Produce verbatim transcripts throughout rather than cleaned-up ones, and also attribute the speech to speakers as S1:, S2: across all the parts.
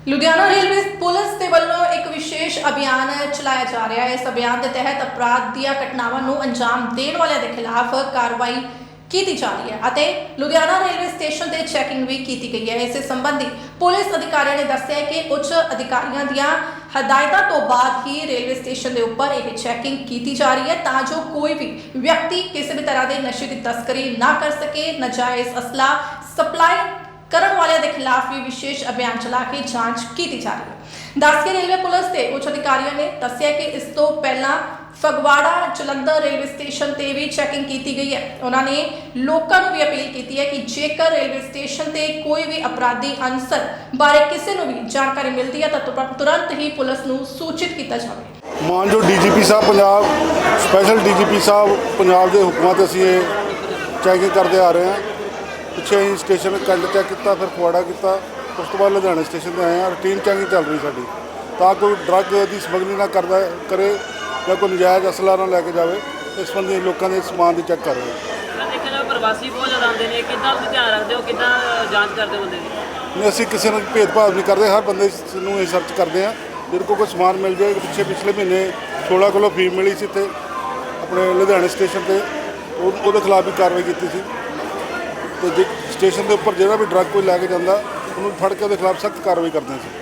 S1: Ludhiana railway police ਦੇ ਵੱਲੋਂ ਇੱਕ ਵਿਸ਼ੇਸ਼ ਅਭਿਆਨ ਚਲਾਇਆ ਜਾ ਰਿਹਾ ਹੈ। ਇਸ ਅਭਿਆਨ ਦੇ ਤਹਿਤ ਅਪਰਾਧ ਦੀਆਂ ਘਟਨਾਵਾਂ ਨੂੰ ਅੰਜਾਮ ਦੇਣ ਵਾਲਿਆਂ ਦੇ ਖਿਲਾਫ ਕਾਰਵਾਈ ਕੀਤੀ ਜਾ ਰਹੀ ਹੈ ਅਤੇ ਲੁਧਿਆਣਾ ਰੇਲਵੇ ਸਟੇਸ਼ਨ ਤੇ ਚੈਕਿੰਗ ਵੀ ਕੀਤੀ ਗਈ ਹੈ। ਇਸ ਸੰਬੰਧੀ ਪੁਲਿਸ ਅਧਿਕਾਰੀਆਂ ਨੇ ਦੱਸਿਆ ਕਿ ਉੱਚ ਅਧਿਕਾਰੀਆਂ ਦੀਆਂ ਹਦਾਇਤਾਂ ਤੋਂ ਬਾਅਦ ਹੀ ਰੇਲਵੇ ਸਟੇਸ਼ਨ ਦੇ ਉੱਪਰ ਇਹ ਚੈਕਿੰਗ ਕੀਤੀ ਜਾ ਰਹੀ ਹੈ ਤਾਂ ਜੋ ਕੋਈ ਵੀ ਵਿਅਕਤੀ ਕਿਸੇ ਵੀ ਤਰ੍ਹਾਂ ਦੇ ਨਸ਼ੇ ਦੀ ਤਸਕਰੀ ਨਾ ਕਰ ਸਕੇ। ਨਾਜਾਇਜ਼ ਅਸਲਾ ਸਪਲਾਈ ਕਰਨ ਵਾਲਿਆਂ ਦੇ ਖਿਲਾਫ ਵੀ ਵਿਸ਼ੇਸ਼ ਅਭਿਆਨ ਚਲਾ ਕੇ ਜਾਂਚ ਕੀਤੀ ਜਾ ਰਹੀ ਹੈ। ਦੱਸ ਕੇ ਰੇਲਵੇ ਪੁਲਿਸ ਦੇ ਉੱਚ ਅਧਿਕਾਰੀਆਂ ਨੇ ਦੱਸਿਆ ਕਿ ਇਸ ਤੋਂ ਪਹਿਲਾਂ ਫਗਵਾੜਾ ਜਲੰਧਰ ਰੇਲਵੇ ਸਟੇਸ਼ਨ ਤੇ ਵੀ ਚੈਕਿੰਗ ਕੀਤੀ ਗਈ ਹੈ। ਉਹਨਾਂ ਨੇ ਲੋਕਾਂ ਨੂੰ ਵੀ ਅਪੀਲ ਕੀਤੀ ਹੈ ਕਿ ਜੇਕਰ ਰੇਲਵੇ ਸਟੇਸ਼ਨ ਤੇ ਕੋਈ ਵੀ ਅਪਰਾਧੀ ਅਨਸਰ ਬਾਰੇ ਕਿਸੇ ਨੂੰ ਵੀ ਜਾਣਕਾਰੀ ਮਿਲਦੀ ਹੈ ਤਾਂ ਤੁਰੰਤ ਹੀ ਪੁਲਿਸ ਨੂੰ ਸੂਚਿਤ ਕੀਤਾ ਜਾਵੇ।
S2: ਮਾਨਯੋਗ ਡੀਜੀਪੀ ਸਾਹਿਬ ਪੰਜਾਬ ਸਪੈਸ਼ਲ ਡੀਜੀਪੀ ਸਾਹਿਬ ਪੰਜਾਬ ਦੇ ਹੁਕਮਾਂ ਤੇ ਅਸੀਂ ਇਹ ਚੈਕਿੰਗ ਕਰਦੇ ਆ ਰਹੇ ਹਾਂ। ਪਿੱਛੇ ਅਸੀਂ ਸਟੇਸ਼ਨ ਕੰਡ ਚੈੱਕ ਕੀਤਾ, ਫਿਰ ਫਗਵਾੜਾ ਕੀਤਾ, ਉਸ ਤੋਂ ਬਾਅਦ ਲੁਧਿਆਣਾ ਸਟੇਸ਼ਨ 'ਤੇ ਆਏ ਹਾਂ। ਰੂਟੀਨ ਚੈਕਿੰਗ ਚੱਲ ਰਹੀ ਸਾਡੀ ਤਾਂ ਕੋਈ ਡਰੱਗ ਦੀ ਸਮਗਲਿੰਗ ਨਾ ਕਰਦਾ ਕਰੇ ਜਾਂ ਕੋਈ ਨਜਾਇਜ਼ ਅਸਲਾ ਨਾ ਲੈ ਕੇ ਜਾਵੇ। ਇਸ ਸੰਬੰਧੀ ਲੋਕਾਂ ਦੇ ਸਮਾਨ ਦੀ ਚੈੱਕ ਕਰ ਰਹੇ ਹਾਂ।
S3: ਦੇਖਿਆ ਪ੍ਰਵਾਸੀ ਬਹੁਤ ਜ਼ਿਆਦਾ ਆਉਂਦੇ ਨੇ, ਕਿੱਦਾਂ ਤੁਸੀਂ ਧਿਆਨ ਰੱਖਦੇ ਹੋ, ਕਿੱਦਾਂ ਜਾਂਚ ਕਰਦੇ ਹੋ ਬੰਦੇ ਦੀ?
S2: ਨਹੀਂ, ਅਸੀਂ ਕਿਸੇ ਨਾਲ ਭੇਦਭਾਵ ਨਹੀਂ ਕਰਦੇ, ਹਰ ਬੰਦੇ ਨੂੰ ਇਹ ਸਰਚ ਕਰਦੇ ਹਾਂ। ਜਿਹਦੇ ਕੋਲ ਕੋਈ ਸਮਾਨ ਮਿਲ ਜਾਏ। ਪਿੱਛੇ ਪਿਛਲੇ ਮਹੀਨੇ ਸੋਲਾਂ ਕਿਲੋ ਫੀਮ ਮਿਲੀ ਸੀ ਇੱਥੇ ਆਪਣੇ ਲੁਧਿਆਣੇ ਸਟੇਸ਼ਨ 'ਤੇ, ਉਹ ਉਹਦੇ ਖਿਲਾਫ ਵੀ ਕਾਰਵਾਈ ਕੀਤੀ ਸੀ। ਅਤੇ ਜੇ ਸਟੇਸ਼ਨ ਦੇ ਉੱਪਰ ਜਿਹੜਾ ਵੀ ਡਰੱਗ ਕੋਈ ਲੈ ਕੇ ਜਾਂਦਾ ਉਹਨੂੰ ਫੜ ਕੇ ਉਹਦੇ ਖਿਲਾਫ ਸਖਤ ਕਾਰਵਾਈ ਕਰਦੇ ਸੀ।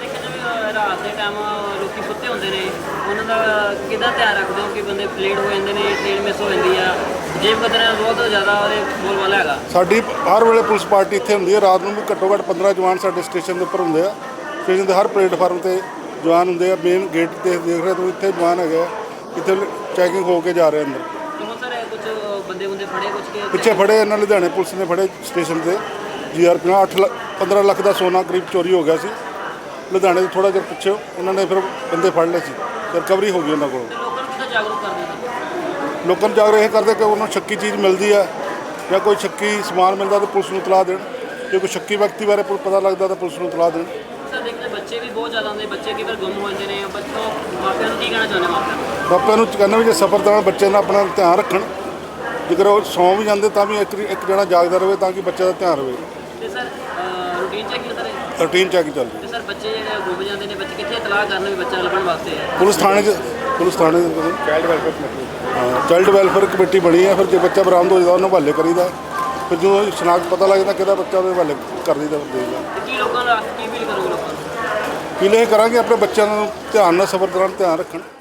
S3: ਰਾਤ ਦੇ ਟਾਈਮ ਲੋਕੀ ਸੁੱਤੇ ਹੁੰਦੇ ਨੇ, ਉਹਨਾਂ ਦਾ ਕਿੱਦਾਂ ਧਿਆਨ ਰੱਖਦੇ ਹੋ ਕਿ ਬੰਦੇ ਲੇਟ ਹੋ ਜਾਂਦੇ ਨੇ, ਟ੍ਰੇਨ ਮਿਸ ਹੋ ਜਾਂਦੀ ਆ, ਜੇਬ ਕਤਰਾ ਬਹੁਤ ਜ਼ਿਆਦਾ ਉਹਦੇ ਬੋਲਬਾਲਾ ਹੈਗਾ।
S2: ਸਾਡੀ ਹਰ ਵੇਲੇ ਪੁਲਿਸ ਪਾਰਟੀ ਇੱਥੇ ਹੁੰਦੀ ਹੈ। ਰਾਤ ਨੂੰ ਵੀ ਘੱਟੋ ਘੱਟ ਪੰਦਰਾਂ ਜਵਾਨ ਸਾਡੇ ਸਟੇਸ਼ਨ ਦੇ ਉੱਪਰ ਹੁੰਦੇ ਆ। ਸਟੇਸ਼ਨ ਦੇ ਹਰ ਪਲੇਟਫਾਰਮ 'ਤੇ ਜਵਾਨ ਹੁੰਦੇ ਆ। ਮੇਨ ਗੇਟ 'ਤੇ ਦੇਖ ਰਹੇ ਤੁਸੀਂ ਇੱਥੇ ਜਵਾਨ ਹੈਗੇ ਆ, ਇੱਥੇ ਚੈਕਿੰਗ ਹੋ ਕੇ ਜਾ ਰਹੇ ਅੰਦਰ।
S3: ਕੁਝ ਬੰਦੇ ਬੰਦੇ ਫੜੇ ਕੁਝ
S2: ਪਿੱਛੇ ਫੜੇ ਇਹਨਾਂ ਲੁਧਿਆਣੇ ਪੁਲਿਸ ਨੇ ਫੜੇ ਸਟੇਸ਼ਨ 'ਤੇ। ਜੀ ਆਰ ਪੰਜਾਹ ਅੱਠ ਲੱਖ ਪੰਦਰਾਂ ਲੱਖ ਦਾ ਸੋਨਾ ਕਰੀਬ ਚੋਰੀ ਹੋ ਗਿਆ ਸੀ ਲੁਧਿਆਣੇ ਤੋਂ ਥੋੜ੍ਹਾ ਜਿਹਾ ਪਿੱਛੇ। ਉਹਨਾਂ ਨੇ ਫਿਰ ਬੰਦੇ ਫੜ ਲਏ ਸੀ, ਰਿਕਵਰੀ ਹੋ ਗਈ ਉਹਨਾਂ ਕੋਲੋਂ।
S3: ਲੋਕਾਂ ਨੂੰ ਕਿੱਦਾਂ ਜਾਗਰੂਕ ਕਰਦੇ ਨੇ?
S2: ਲੋਕਾਂ ਨੂੰ ਜਾਗਰੂਕ ਇਹ ਕਰਦੇ ਕਿ ਉਹਨਾਂ ਨੂੰ ਸ਼ੱਕੀ ਚੀਜ਼ ਮਿਲਦੀ ਹੈ ਜਾਂ ਕੋਈ ਸ਼ੱਕੀ ਸਮਾਨ ਮਿਲਦਾ ਤਾਂ ਪੁਲਿਸ ਨੂੰ ਇਤਲਾਹ ਦੇਣ। ਜੇ ਕੋਈ ਸ਼ੱਕੀ ਵਿਅਕਤੀ ਬਾਰੇ ਪਤਾ ਲੱਗਦਾ ਤਾਂ ਪੁਲਿਸ ਨੂੰ ਇਤਲਾਹ ਦੇਣ।
S3: ਸਰ ਦੇਖਦੇ ਬੱਚੇ ਵੀ ਬਹੁਤ ਜ਼ਿਆਦਾ ਆਉਂਦੇ, ਬੱਚੇ ਕਈ ਵਾਰ ਗੁੰਮ ਹੋ ਜਾਂਦੇ ਨੇ। ਬੱਚੋਂ ਮਾਪਿਆਂ ਨੂੰ ਕੀ ਕਹਿਣਾ ਚਾਹੁੰਦੇ ਮਾਪਿਆਂ ਨੂੰ?
S2: ਮਾਪਿਆਂ ਨੂੰ ਕਹਿੰਦੇ ਵੀ ਜੇ ਸਫ਼ਰ ਦੌਰਾਨ ਬੱਚੇ ਨਾਲ ਆਪਣਾ ਧਿਆਨ ਰੱਖਣ। ਜੇਕਰ ਉਹ ਸੌਂ ਵੀ ਜਾਂਦੇ ਤਾਂ ਵੀ ਇੱਕ ਇੱਕ ਜਣਾ ਜਾਗਦਾ ਰਹੇ ਤਾਂ ਕਿ ਬੱਚੇ ਦਾ ਧਿਆਨ ਰਹੇ।
S3: ਤੇ sir routine checking sir
S2: routine checking ਚੱਲ ਰਹੀ।
S3: ਤੇ ਸਰ ਬੱਚੇ ਜਿਹੜੇ ਗੁੰਮ ਜਾਂਦੇ ਨੇ, ਬੱਚੇ ਕਿੱਥੇ ਇਤਲਾਹ ਕਰਨ ਵੀ ਬੱਚਾ ਲੱਭਣ ਵਾਸਤੇ?
S2: ਪੁਲਿਸ ਥਾਣੇ 'ਚ ਪੁਲਿਸ ਥਾਣੇ ਚਾਈਲਡ ਵੈਲਫੇਅਰ ਕਮੇਟੀ ਹਾਂ ਚਾਈਲਡ ਵੈਲਫੇਅਰ ਕਮੇਟੀ ਬਣੀ ਹੈ। ਫਿਰ ਜੇ ਬੱਚਾ ਬਰਾਮਦ ਹੋ ਜਾਂਦਾ ਉਹਨੂੰ ਹਵਾਲੇ ਕਰੀਦਾ। ਫਿਰ ਜਦੋਂ ਸ਼ਨਾਖਤ ਪਤਾ ਲੱਗ ਜਾਂਦਾ ਕਿਹਦਾ ਬੱਚਾ ਉਹਦੇ ਹਵਾਲੇ ਕਰ ਦਈਦਾ ਦੇਈਦਾ।
S3: ਕੀ ਲੋਕਾਂ ਨੂੰ ਕੀ ਫੀਲ ਕਰੋਗੇ? ਲੋਕਾਂ ਨੂੰ
S2: ਕੀ ਇਹ ਕਰਾਂਗੇ ਆਪਣੇ ਬੱਚਿਆਂ ਨੂੰ ਧਿਆਨ ਨਾਲ ਸਫ਼ਰ ਦੌਰਾਨ ਧਿਆਨ ਰੱਖਣ।